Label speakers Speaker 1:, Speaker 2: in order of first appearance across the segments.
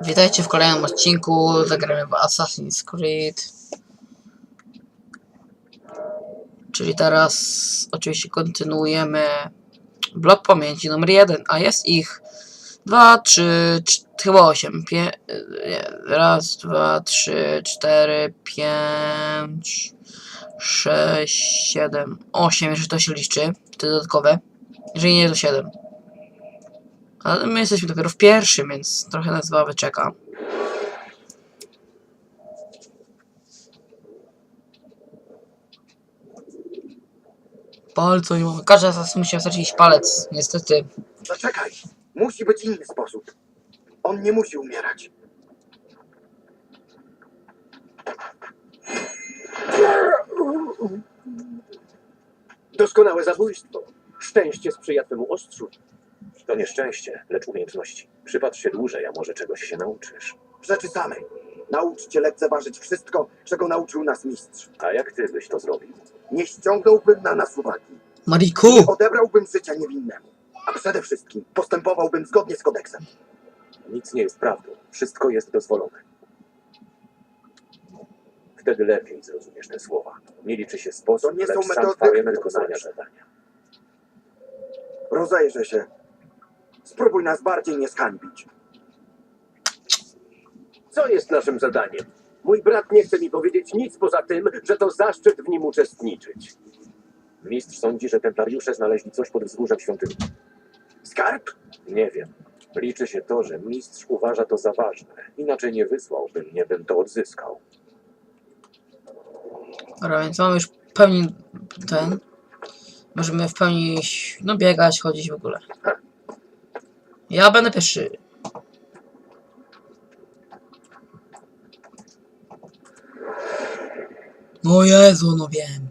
Speaker 1: Witajcie w kolejnym odcinku. Zagramy w Assassin's Creed. Czyli teraz oczywiście kontynuujemy blok pamięci numer 1, a jest ich 2, 3, chyba 8. Raz, 2, 3, 4, 5, 6, 7, 8, jeżeli to się liczy, te dodatkowe. Jeżeli nie, to 7. Ale my jesteśmy dopiero w pierwszym, więc trochę nas zabawy czeka. Palca nie mamy. Każdy z nas musi stracić palec, niestety.
Speaker 2: Zaczekaj! Musi być inny sposób. On nie musi umierać.
Speaker 3: Doskonałe zabójstwo. Szczęście sprzyja twemu ostrzu.
Speaker 4: To nie szczęście, lecz umiejętności. Przypatrz się dłużej, a może czegoś się nauczysz.
Speaker 2: W rzeczy samej. Naucz cię lekceważyć wszystko, czego nauczył nas mistrz.
Speaker 4: A jak ty byś to zrobił?
Speaker 2: Nie ściągnąłbym na nas uwagi.
Speaker 1: Mariku!
Speaker 2: Nie odebrałbym życia niewinnemu. A przede wszystkim postępowałbym zgodnie z kodeksem.
Speaker 4: Nic nie jest prawdą. Wszystko jest dozwolone. Wtedy lepiej zrozumiesz te słowa. Nie liczy się sposób,
Speaker 2: To nie są
Speaker 4: lecz sam
Speaker 2: metody
Speaker 4: twoje wykonania
Speaker 2: wykonawcze.
Speaker 4: zadania.
Speaker 2: Rozejrzę się. Spróbuj nas bardziej nie zhańbić.
Speaker 3: Co jest naszym zadaniem? Mój brat nie chce mi powiedzieć nic poza tym, że to zaszczyt w nim uczestniczyć.
Speaker 4: Mistrz sądzi, że templariusze znaleźli coś pod wzgórzem świątyni.
Speaker 2: Skarb?
Speaker 4: Nie wiem. Liczy się to, że mistrz uważa to za ważne. Inaczej nie wysłałby mnie, bym to odzyskał.
Speaker 1: Dobra, więc mamy już w pełni ten. Możemy w pełni no biegać, chodzić w ogóle. Ja będę pierwszy. No Jezu, no wiem.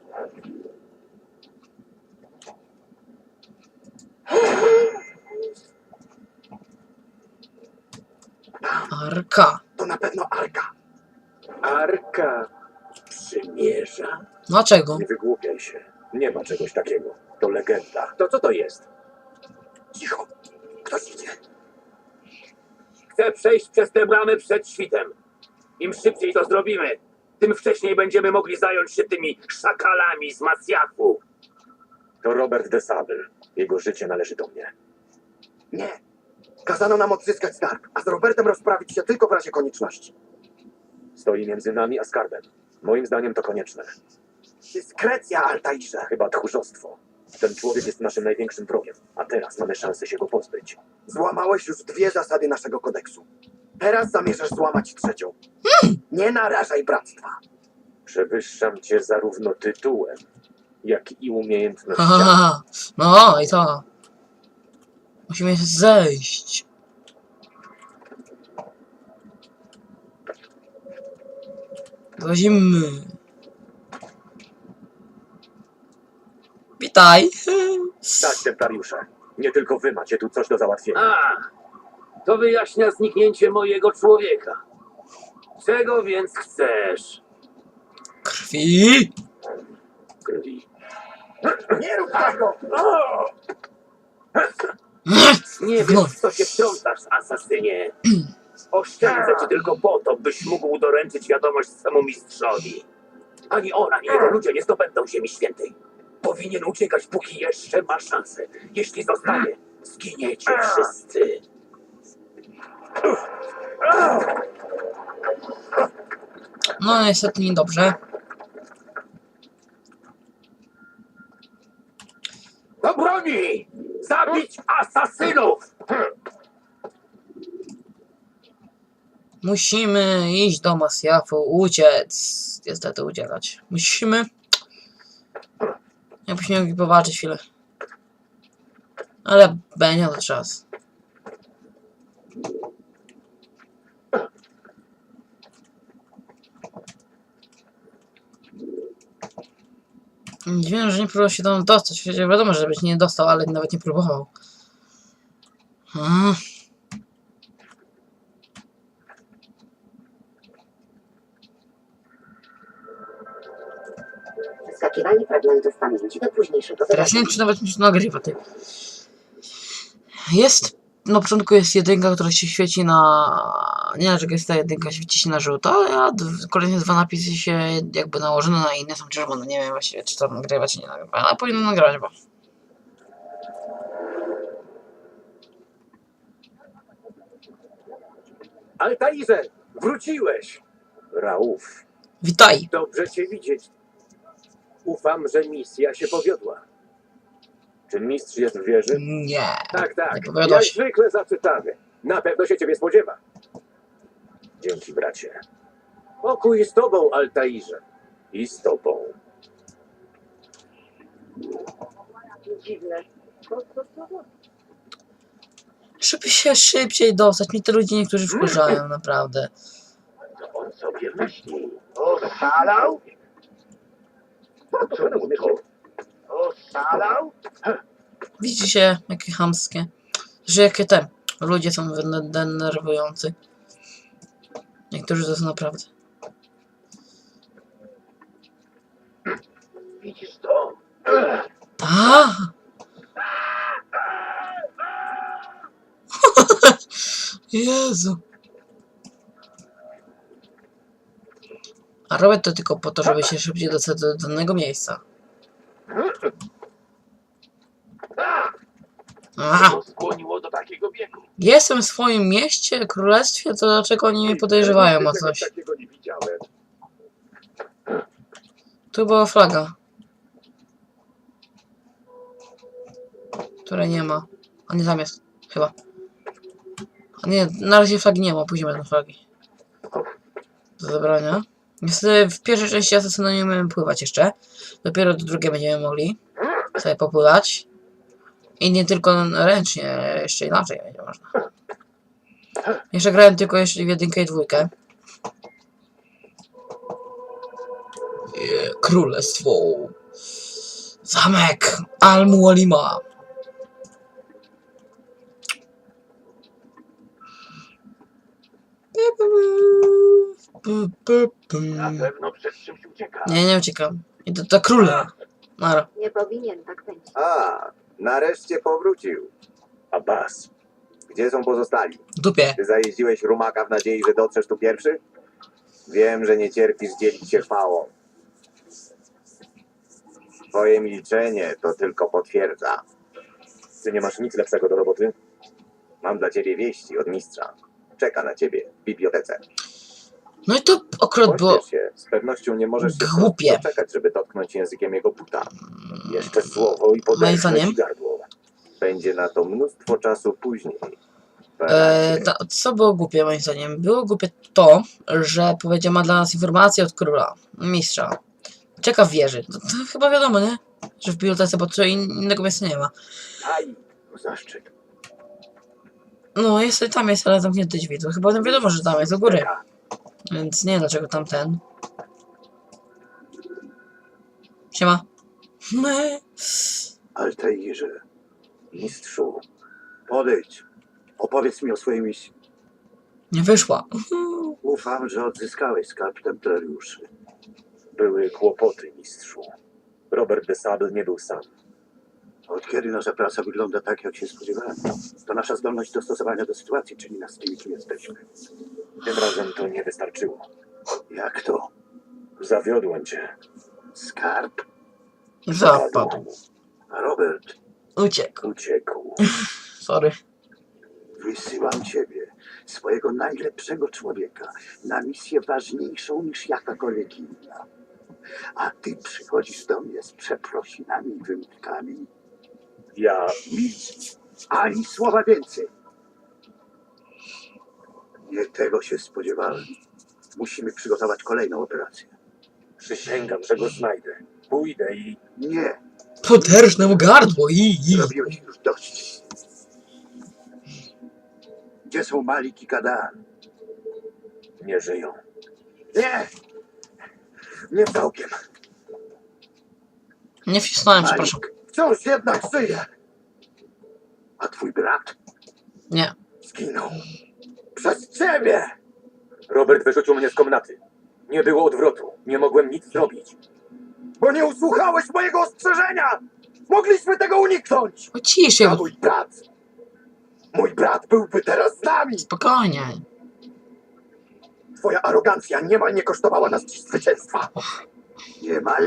Speaker 1: Arka.
Speaker 2: To na pewno Arka.
Speaker 3: Arka przymierza?
Speaker 1: Dlaczego?
Speaker 4: Nie wygłupiaj się. Nie ma czegoś takiego. To legenda.
Speaker 3: To co to jest?
Speaker 2: Cicho. Ktoś idzie.
Speaker 3: Chcę przejść przez te bramy przed świtem. Im szybciej to zrobimy, tym wcześniej będziemy mogli zająć się tymi szakalami z Masjafu.
Speaker 4: To Robert de Sable. Jego życie należy do mnie.
Speaker 2: Nie. Kazano nam odzyskać skarb, a z Robertem rozprawić się tylko w razie konieczności.
Speaker 4: Stoi między nami a skarbem. Moim zdaniem to konieczne.
Speaker 2: Dyskrecja, Altairze.
Speaker 4: Chyba tchórzostwo. Ten człowiek jest naszym największym wrogiem, a teraz mamy szansę się go pozbyć.
Speaker 2: Złamałeś już 2 zasady naszego kodeksu. Teraz zamierzasz złamać 3. Nie narażaj bractwa.
Speaker 4: Przewyższam cię zarówno tytułem, jak i umiejętnościami.
Speaker 1: Haha, no i to. Musimy zejść. Zazimy. Witaj.
Speaker 4: Tak, templariusze. Nie tylko wy macie tu coś do załatwienia.
Speaker 3: A, to wyjaśnia zniknięcie mojego człowieka. Czego więc chcesz?
Speaker 1: Krwi.
Speaker 4: Krwi.
Speaker 2: Nie rób tego!
Speaker 3: Nie wiem, w co się wtrącasz, asasynie. Oszczędzę cię tylko po to, byś mógł doręczyć wiadomość swemu mistrzowi. Ani on, ani jego ludzie nie zdobędą Ziemi Świętej. Powinien uciekać, póki jeszcze ma szansę. Jeśli zostanie, zginiecie wszyscy.
Speaker 1: No niestety niedobrze.
Speaker 3: Do broni! Zabić asasynów!
Speaker 1: Musimy iść do Masjafu, uciec. Niestety uciekać. Musimy. Jakbyśmy mogli popatrzeć chwilę. Ale będzie to czas. Dziwne, że nie próbował się tam dostać. Przecież wiadomo, że byś nie dostał, ale nawet nie próbował.
Speaker 5: Przeskakiwanie fragmentów pamięci do późniejszego
Speaker 1: Teraz nie wiem, czy nawet mi się nagrywa. Ty. Jest na początku jest jedynka, która się świeci na... Nie wiem, jest ta jedynka, świeci się na żółto, a kolejne dwa napisy się jakby nałożone na inne są czerwone. Nie wiem właściwie, czy to nagrywa, czy nie nagrywa, ale powinno nagrywać, bo...
Speaker 3: Altairze, wróciłeś!
Speaker 4: Rauf,
Speaker 1: Witaj!
Speaker 3: Dobrze cię widzieć. Ufam, że misja się powiodła.
Speaker 4: czy mistrz jest w wieży?
Speaker 1: Nie.
Speaker 3: Tak, tak.
Speaker 1: Nie powiodła
Speaker 3: Jak
Speaker 1: się.
Speaker 3: zwykle zaczytany. Na pewno się ciebie spodziewa.
Speaker 4: Dzięki, bracie.
Speaker 3: Pokój z tobą, Altairze.
Speaker 4: I z tobą.
Speaker 5: Dziwne.
Speaker 1: Żeby się szybciej dostać, mnie te ludzie niektórzy wkurzają, naprawdę.
Speaker 3: Co on sobie myśli? Oszalał? Co rozumiesz? Oszalał?
Speaker 1: Widzicie, jakie chamskie. Że jakie te ludzie są denerwujący. Niektórzy to są naprawdę.
Speaker 3: Widzisz to?
Speaker 1: A! Jezu. A robię to tylko po to, żeby się szybciej dostać do danego miejsca. Aha.
Speaker 3: Co skłoniło do takiego biegu?
Speaker 1: Jestem w swoim mieście, królestwie, to dlaczego oni mnie podejrzewają o coś?
Speaker 3: Takiego nie widziałem.
Speaker 1: Tu była flaga. Której nie ma. A nie tam jest, chyba. A nie, na razie flagi nie ma, później będą flagi. Do zabrania. Niestety w pierwszej części Asasyna nie umiemy pływać jeszcze. Dopiero do drugiej będziemy mogli sobie popływać. I nie tylko ręcznie, jeszcze inaczej będzie można. Jeszcze grałem tylko jeszcze w jedynkę i dwójkę. Królestwo. Zamek Al-Mualima.
Speaker 3: Na pewno przed czymś ucieka.
Speaker 1: Nie uciekam. Idę do króla. Nara.
Speaker 5: Nie powinien tak być.
Speaker 2: A, nareszcie powrócił.
Speaker 4: Abbas,
Speaker 2: Gdzie są pozostali?
Speaker 1: W dupie.
Speaker 2: Ty zajeździłeś rumaka w nadziei, że dotrzesz tu pierwszy? Wiem, że nie cierpisz dzielić się chwałą. Twoje milczenie to tylko potwierdza.
Speaker 4: ty nie masz nic lepszego do roboty?
Speaker 2: Mam dla ciebie wieści od mistrza. Czeka na ciebie w bibliotece.
Speaker 1: No i to akurat było
Speaker 2: Pośpiesz się. Z pewnością nie możesz się
Speaker 1: głupie.
Speaker 2: doczekać, żeby dotknąć językiem jego buta.
Speaker 4: Jeszcze słowo i
Speaker 1: Moim
Speaker 4: poderżnę
Speaker 1: zdaniem
Speaker 4: ci gardło.
Speaker 2: Będzie na to mnóstwo czasu później.
Speaker 1: co było głupie moim zdaniem? Było głupie to, że powiedział ma dla nas informację od króla, mistrza. Czeka w wieży. To chyba wiadomo, nie? Że w bibliotece, bo co innego miejsca nie ma.
Speaker 3: Aj, zaszczyt.
Speaker 1: No, tam jest, ale zamknięte drzwi. To chyba wiadomo, że tam jest do góry. Więc nie wiem dlaczego tamten. Siema.
Speaker 2: Altairze, mistrzu, podejdź. Opowiedz mi o swojej misji.
Speaker 1: Nie wyszła.
Speaker 2: Ufam, że odzyskałeś skarb templariuszy.
Speaker 4: Były kłopoty, mistrzu. Robert de Sable nie był sam.
Speaker 2: Od kiedy nasza praca wygląda tak, jak się spodziewałem? To nasza zdolność dostosowania do sytuacji czyni nas tymi, kim jesteśmy.
Speaker 4: Tym razem to nie wystarczyło.
Speaker 2: Jak to?
Speaker 4: Zawiodłem cię.
Speaker 2: Skarb?
Speaker 1: Zapadł.
Speaker 2: A Robert,
Speaker 1: Uciekł.
Speaker 4: Uciekł.
Speaker 1: Sorry.
Speaker 2: wysyłam ciebie, swojego najlepszego człowieka, na misję ważniejszą niż jakakolwiek inna. A ty przychodzisz do mnie z przeprosinami i wymówkami.
Speaker 4: Ja...
Speaker 2: Nic, ani słowa więcej. Nie tego się spodziewałem. Musimy przygotować kolejną operację.
Speaker 4: Przysięgam, że go znajdę. Pójdę i...
Speaker 2: Nie,
Speaker 1: Poderżnę mu gardło i...
Speaker 2: zrobiłeś już dość. Gdzie są Malik i Kadan?
Speaker 4: nie żyją.
Speaker 2: Nie! Nie całkiem.
Speaker 1: Nie wcisnąłem, przepraszam.
Speaker 2: Malik wciąż jednak żyje. A twój brat
Speaker 1: Nie.
Speaker 2: zginął. Przez ciebie!
Speaker 4: Robert wyrzucił mnie z komnaty. Nie było odwrotu. Nie mogłem nic zrobić.
Speaker 2: Bo nie usłuchałeś mojego ostrzeżenia! Mogliśmy tego uniknąć!
Speaker 1: O ciszej.
Speaker 2: A mój brat
Speaker 6: Mój brat byłby teraz z nami!
Speaker 1: Spokojnie.
Speaker 6: Twoja arogancja niemal nie kosztowała nas dziś zwycięstwa.
Speaker 2: Niemal.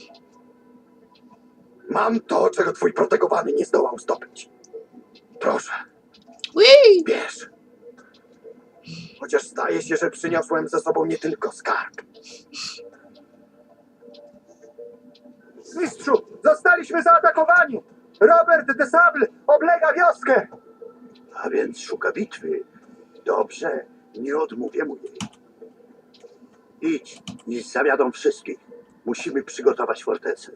Speaker 6: Mam to, czego twój protegowany nie zdołał zdobyć. Proszę,
Speaker 1: Ui!
Speaker 6: bierz. Chociaż zdaje się, że przyniosłem ze sobą nie tylko skarb. Mistrzu, zostaliśmy zaatakowani! Robert de Sable oblega wioskę!
Speaker 2: A więc szuka bitwy. Dobrze, nie odmówię mu jej. Idź i zawiadą wszystkich. Musimy przygotować fortecę.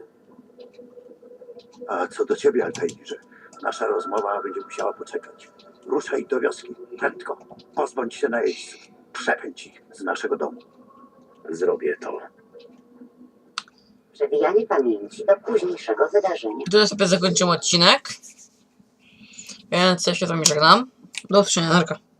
Speaker 2: A co do ciebie, Altairze, nasza rozmowa będzie musiała poczekać. Ruszaj do wioski, prędko. Pozbądź się najeźdźców. Przepędź ich z naszego domu.
Speaker 3: Zrobię to.
Speaker 5: Przewijanie pamięci do późniejszego wydarzenia.
Speaker 1: Tu sobie zakończymy odcinek. Więc ja się z wami żegnam. Do usłyszenia, narka.